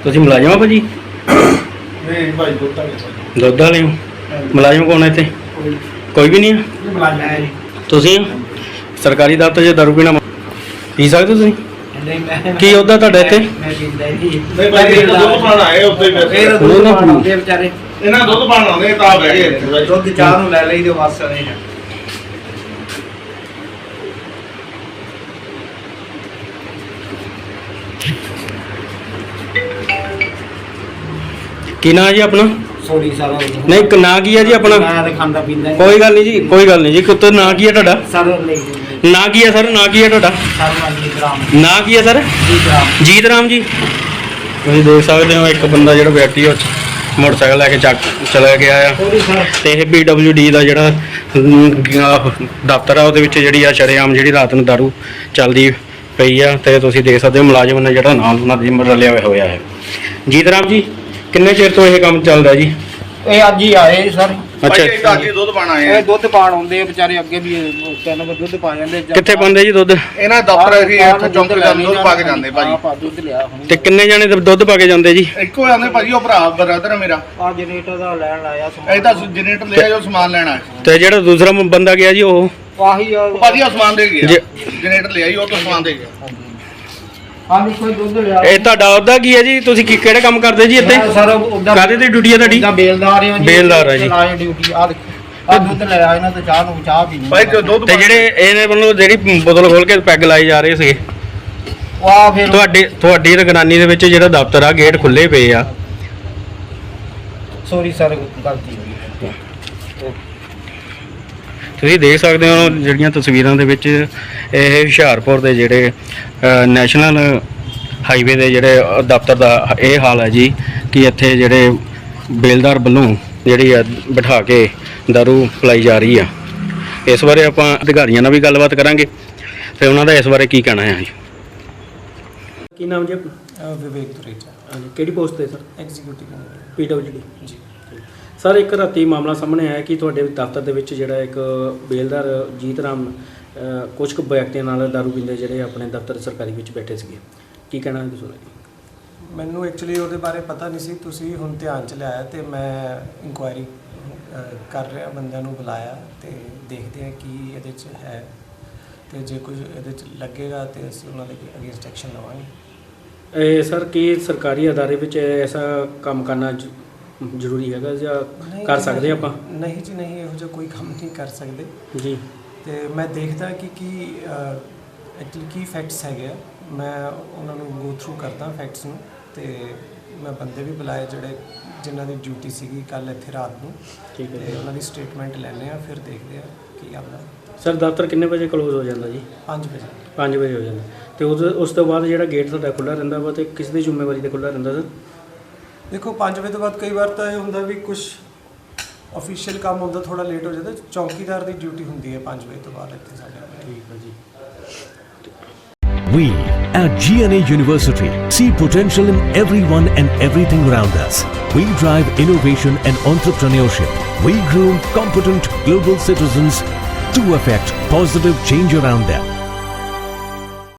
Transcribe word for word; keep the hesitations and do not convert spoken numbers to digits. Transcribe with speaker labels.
Speaker 1: ਤੁਸੀਂ ਮੁਲਾਜ਼ਮ ਹੋ ਭਾਜੀ?
Speaker 2: ਨਹੀਂ ਭਾਈ ਦੁੱਧ ਵਾਲੇ
Speaker 1: ਦੁੱਧ ਵਾਲੇ ਹੋ? ਮੁਲਾਜ਼ਮ ਕੌਣ ਹੈ ਇੱਥੇ? ਕੋਈ ਵੀ ਨਹੀਂ ਹੈ?
Speaker 2: ਮੁਲਾਜ਼ਮ ਹੈ
Speaker 1: ਤੁਸੀਂ ਹੋ? ਸਰਕਾਰੀ ਦਫ਼ਤਰ 'ਚ ਦਾਰੂ ਪੀਣਾ ਪੀ ਸਕਦੇ ਤੁਸੀਂ?
Speaker 3: ਨਹੀਂ ਮੈਂ
Speaker 1: ਕੀ ਉਹਦਾ ਤੁਹਾਡਾ ਇੱਥੇ?
Speaker 3: ਮੈਂ ਪੀਂਦਾ ਹੀ ਨਹੀਂ।
Speaker 2: ਨਹੀਂ ਭਾਈ ਇਹ ਤਾਂ ਦੁੱਧ ਪਾਣ ਆਏ ਉੱਤੇ
Speaker 3: ਇਹ ਤਾਂ ਦੁੱਧ ਪਾਣ ਆਉਂਦੇ ਵਿਚਾਰੇ।
Speaker 2: ਇਹਨਾਂ ਦੁੱਧ ਪਾਣ ਆਉਂਦੇ ਤਾਂ ਬਹਿ ਗਏ ਇੱਥੇ ਭਾਈ।
Speaker 3: ਦੁੱਧ ਚਾਹ ਨੂੰ ਲੈ ਲਈ ਤੇ ਬਸ ਨਹੀਂ ਹੈ।
Speaker 1: ਕੀ ਨਾਂ ਜੀ ਆਪਣਾ?
Speaker 3: ਸੋਰੀ ਸਾਰਾ
Speaker 1: ਨਹੀਂ ਨਾਂ ਕੀ ਹੈ ਜੀ ਆਪਣਾ?
Speaker 3: ਮੈਂ ਤਾਂ ਖਾਂਦਾ ਪੀਂਦਾ ਹੀ
Speaker 1: ਕੋਈ ਗੱਲ ਨਹੀਂ ਜੀ, ਕੋਈ ਗੱਲ ਨਹੀਂ ਜੀ। ਕੁੱਤੇ ਨਾਂ ਕੀ ਹੈ ਤੁਹਾਡਾ?
Speaker 3: ਸਰ ਨਹੀਂ
Speaker 1: ਨਾਂ ਕੀ ਹੈ ਸਰ? ਨਾਂ ਕੀ ਹੈ ਤੁਹਾਡਾ?
Speaker 3: ਸਰ ਵਾਲੀ ਗ੍ਰਾਮ
Speaker 1: ਨਾਂ ਕੀ ਹੈ ਸਰ?
Speaker 3: ਜੀ ਗ੍ਰਾਮ
Speaker 1: ਜੀਤ ਰਾਮ ਜੀ। ਤੁਸੀਂ ਦੇਖ ਸਕਦੇ ਹੋ ਇੱਕ ਬੰਦਾ ਜਿਹੜਾ ਵਿਅਕਤੀ ਉਹ ਮੋਟਰਸਾਈਕਲ ਲੈ ਕੇ ਚੱਕ ਚਲਾ ਗਿਆ ਆ
Speaker 3: ਸੋਰੀ ਸਰ।
Speaker 1: ਤੇ ਇਹ ਪੀ ਡਬਲਿਊ ਡੀ ਦਾ ਜਿਹੜਾ ਅਮ, ਦਫ਼ਤਰ ਆ ਉਹਦੇ ਵਿੱਚ ਜਿਹੜੀ ਆ ਸ਼ਰੇਆਮ ਜਿਹੜੀ ਰਾਤ ਨੂੰ ਦਾਰੂ ਚੱਲਦੀ ਪਈ ਆ ਤੇ ਤੁਸੀਂ ਦੇਖ ਸਕਦੇ ਹੋ ਮੁਲਾਜ਼ਮ ਨੇ ਜਿਹੜਾ ਨਾਲ ਉਹਨਾਂ ਦੀ ਰਲਿਆ ਹੋਇਆ ਹੈ। ਜੀਤ ਰਾਮ ਜੀ, ਕਿੰਨੇ ਚਿਰ ਤੋਂ ਇਹ ਕੰਮ ਚੱਲਦਾ ਜੀ?
Speaker 3: ਇਹ ਅੱਜ ਹੀ ਆਏ ਸਰ।
Speaker 1: ਅੱਛਾ,
Speaker 2: ਭਾਈ ਇਹ ਅੱਜ ਹੀ ਦੁੱਧ ਪਾਣ ਆਏ ਆ।
Speaker 3: ਇਹ ਦੁੱਧ ਪਾਣ ਆਉਂਦੇ ਆ ਵਿਚਾਰੇ, ਅੱਗੇ ਵੀ ਇਹ ਤਿੰਨ ਵਾਰ ਦੁੱਧ ਪਾ ਜਾਂਦੇ।
Speaker 1: ਕਿੱਥੇ ਪਾਉਂਦੇ ਜੀ ਦੁੱਧ?
Speaker 2: ਇਹਨਾਂ ਦਫ਼ਤਰ ਅਸੀਂ ਇੱਥੇ ਚੌਂਕ ਦਾ ਦੁੱਧ ਪਾ ਕੇ ਜਾਂਦੇ ਭਾਜੀ।
Speaker 3: ਹਾਂ ਦੁੱਧ ਲਿਆ ਹੁਣ।
Speaker 1: ਤੇ ਕਿੰਨੇ ਜਾਣੇ ਦੁੱਧ ਪਾ ਕੇ ਜਾਂਦੇ ਜੀ?
Speaker 2: ਇੱਕੋ ਜਾਂਦੇ ਭਾਜੀ, ਉਹ ਭਰਾ ਬ੍ਰਦਰ ਹੈ ਮੇਰਾ।
Speaker 3: ਆ ਜਨਰੇਟਰ ਦਾ ਲੈਣ ਲਾਇਆ ਸਮਾਨ।
Speaker 2: ਇਹ ਤਾਂ ਜਨਰੇਟਰ ਲਿਆ ਜੋ ਸਮਾਨ ਲੈਣਾ ਹੈ।
Speaker 1: ਤੇ ਜਿਹੜਾ ਦੂਸਰਾ ਬੰਦਾ ਗਿਆ ਜੀ ਉਹ?
Speaker 3: ਆਹੀ ਆ
Speaker 2: ਭਾਜੀ ਉਹ ਸਮਾਨ ਦੇ ਗਿਆ।
Speaker 1: ਜੇ-
Speaker 2: ਜਨਰੇਟਰ ਲਿਆ ਜੀ, ਉਹ ਤੋਂ ਸਮਾਨ ਦੇ ਗਿਆ।
Speaker 3: ਹਾਂ ਵੀ ਕੋਈ ਦੁੱਧ ਲਿਆ।
Speaker 1: ਇਹ ਤੁਹਾਡਾ ਉਹਦਾ ਕੀ ਹੈ ਜੀ? ਤੁਸੀਂ ਕੀ ਕਿਹੜੇ ਕੰਮ ਕਰਦੇ ਜੀ ਇੱਥੇ?
Speaker 3: ਸਰ ਉਹਦਾ
Speaker 1: ਕਾਹਦੇ ਤੇ ਡਿਊਟੀ ਹੈ ਤੁਹਾਡੀ?
Speaker 3: ਦਾ ਬੇਲਦਾਰ ਆ ਜੀ।
Speaker 1: ਬੇਲਦਾਰ ਆ ਜੀ।
Speaker 3: ਲਾਏ ਡਿਊਟੀ ਆ ਦੇਖੋ। ਆ ਦੁੱਧ ਲਿਆ ਇਹਨਾਂ ਤੇ ਚਾਹ ਨੂੰ ਚਾਹ ਪੀਣੀ।
Speaker 2: ਭਾਈ ਜੋ ਦੁੱਧ
Speaker 1: ਤੇ ਜਿਹੜੇ ਇਹਨੇ ਵੱਲੋਂ ਜਿਹੜੀ ਬੋਤਲ ਖੋਲ ਕੇ ਪੈਗ ਲਾਈ ਜਾ ਰਹੇ ਸੀਗੇ,
Speaker 3: ਆ ਫਿਰ
Speaker 1: ਤੁਹਾਡੇ ਤੁਹਾਡੀ ਰਗਨਾਨੀ ਦੇ ਵਿੱਚ ਜਿਹੜਾ ਦਫ਼ਤਰ ਆ ਗੇਟ ਖੁੱਲੇ ਪਏ ਆ।
Speaker 3: ਸੋਰੀ ਸਰ ਗਲਤੀ ਹੋਈ।
Speaker 1: ਤੁਸੀਂ ਦੇਖ ਸਕਦੇ ਹੋ ਜਿਹੜੀਆਂ ਤਸਵੀਰਾਂ ਦੇ ਵਿੱਚ ਇਹ ਹੁਸ਼ਿਆਰਪੁਰ ਦੇ ਜਿਹੜੇ ਅ, ਨੈਸ਼ਨਲ ਹਾਈਵੇ ਦੇ ਜਿਹੜੇ ਅ, ਦਫ਼ਤਰ ਦਾ ਇਹ ਹਾਲ ਹੈ ਜੀ ਕਿ ਇੱਥੇ ਜਿਹੜੇ ਬੇਲਦਾਰ ਵੱਲੋਂ ਜਿਹੜੀ ਆ ਬਿਠਾ ਕੇ ਦਾਰੂ ਪਿਲਾਈ ਜਾ ਰਹੀ ਆ। ਇਸ ਬਾਰੇ ਆਪਾਂ ਅਧਿਕਾਰੀਆਂ ਨਾਲ ਵੀ ਗੱਲਬਾਤ ਕਰਾਂਗੇ ਤੇ ਉਹਨਾਂ ਦਾ ਇਸ ਬਾਰੇ ਕੀ ਕਹਿਣਾ ਹੈ ਜੀ। ਕੀ ਨਾਮ ਜੀ ਆਪਣਾ?
Speaker 4: ਵਿਵੇਕ ਦੁਰੇਜਾ,
Speaker 1: ਹਾਂਜੀ, ਕਿਹੜੀ ਪੋਸਟ ਤੇ sir?
Speaker 4: Executive
Speaker 1: P W D
Speaker 4: ਜੀ।
Speaker 1: ਸਰ, ਇੱਕ ਰਾਤੀ ਮਾਮਲਾ ਸਾਹਮਣੇ ਆਇਆ ਕਿ ਤੁਹਾਡੇ ਦਫ਼ਤਰ ਦੇ ਵਿੱਚ ਜਿਹੜਾ ਇੱਕ ਬੇਲਦਾਰ ਜੀਤ ਰਾਮ ਅ, ਕੁਝ ਕੁ ਵਿਅਕਤੀਆਂ ਨਾਲ ਦਾਰੂ ਪੀਂਦੇ ਜਿਹੜੇ ਆਪਣੇ ਦਫ਼ਤਰ ਸਰਕਾਰੀ ਵਿੱਚ ਬੈਠੇ ਸੀਗੇ, ਕੀ ਕਹਿਣਾ ਹੈ ਤੁਸੀਂ?
Speaker 4: ਮੈਨੂੰ ਐਕਚੁਅਲੀ ਉਹਦੇ ਬਾਰੇ ਪਤਾ ਨਹੀਂ ਸੀ, ਤੁਸੀਂ ਹੁਣ ਧਿਆਨ ਚ ਲਿਆਇਆ ਤੇ ਮੈਂ ਇਨਕੁਆਇਰੀ ਕਰ ਰਿਹਾ, ਬੰਦਿਆਂ ਨੂੰ ਬੁਲਾਇਆ ਤੇ ਦੇਖਦੇ ਹਾਂ ਕੀ ਇਹਦੇ ਚ ਹੈ ਤੇ ਜੇ ਕੁਝ ਇਹਦੇ ਚ ਲੱਗੇਗਾ ਤੇ ਅਸੀਂ ਉਹਨਾਂ ਦੇ ਅਗੇਂਸਟ ਐਕਸ਼ਨ ਲਵਾਂਗੇ।
Speaker 1: ਇਹ ਸਰ, ਕੀ ਸਰਕਾਰੀ ਅਦਾਰੇ ਵਿੱਚ ਐਸਾ ਕੰਮ ਕਰਨਾ ਜ- ਜ਼ਰੂਰੀ ਹੈਗਾ ਜਾਂ
Speaker 4: ਨਹੀਂ
Speaker 1: ਕਰ
Speaker 4: ਜੀ,
Speaker 1: ਸਕਦੇ ਆਪਾਂ?
Speaker 4: ਨਹੀਂ ਜੀ ਨਹੀਂ, ਇਹੋ ਜਿਹਾ ਕੋਈ ਕੰਮ ਨਹੀਂ ਕਰ ਸਕਦੇ
Speaker 1: ਜੀ।
Speaker 4: ਤੇ ਮੈਂ ਦੇਖਦਾ ਕਿ ਕੀ ਐਕਚੁਅਲੀ ਕੀ ਫੈਕਟਸ ਹੈਗੇ ਆ, ਮੈਂ ਉਹਨਾਂ ਨੂੰ ਗੋ ਥਰੂ ਕਰਦਾ ਫੈਕਟਸ ਨੂੰ ਤੇ ਮੈਂ ਬੰਦੇ ਵੀ ਬੁਲਾਏ ਜਿਹੜੇ ਜਿਨ੍ਹਾਂ ਦੀ ਡਿਊਟੀ ਸੀਗੀ ਕੱਲ ਇੱਥੇ ਰਾਤ ਨੂੰ।
Speaker 1: ਠੀਕ ਹੈ
Speaker 4: ਤੇ
Speaker 1: ਜੀ।
Speaker 4: ਉਹਨਾਂ ਦੀ ਸਟੇਟਮੈਂਟ ਲੈਣੇ ਆ, ਫਿਰ ਦੇਖਦੇ ਆ ਕੀ ਆਉਂਦਾ।
Speaker 1: ਸਰ, ਦਫ਼ਤਰ ਕਿੰਨੇ ਵਜੇ ਕਲੋਜ਼ ਹੋ ਜਾਂਦਾ ਜੀ?
Speaker 4: ਪੰਜ ਵਜੇ।
Speaker 1: ਪੰਜ ਵਜੇ ਹੋ ਜਾਂਦਾ ਤੇ ਉਸ ਉਸ ਤੋਂ ਬਾਅਦ ਜਿਹੜਾ ਗੇਟ ਤੁਹਾਡਾ ਖੁੱਲ੍ਹਾ ਰਹਿੰਦਾ ਵਾ ਤੇ ਕਿਸ ਦੀ ਜ਼ਿੰਮੇਵਾਰੀ ਤੇ ਖੁੱਲ੍ਹਾ ਰਹਿੰਦਾ ਸਰ?
Speaker 4: ਦੇਖੋ ਪੰਜ ਵਜੇ ਤੋਂ ਬਾਅਦ ਕਈ ਵਾਰ ਤਾਂ ਇਹ ਹੁੰਦਾ ਵੀ ਕੁਝ ਅਫੀਸ਼ੀਅਲ ਕੰਮ ਹੁੰਦਾ, ਥੋੜਾ ਲੇਟ ਹੋ ਜਾਂਦਾ। ਚੌਕੀਦਾਰ ਦੀ ਡਿਊਟੀ ਹੁੰਦੀ ਹੈ ਪੰਜ ਵਜੇ ਤੋਂ ਬਾਅਦ ਇੱਥੇ ਸਾਡੇ।
Speaker 1: ਠੀਕ ਹੈ ਜੀ।
Speaker 5: We at G N A University see potential in everyone and everything around us. We drive innovation and entrepreneurship. We groom competent global citizens to affect positive change around them.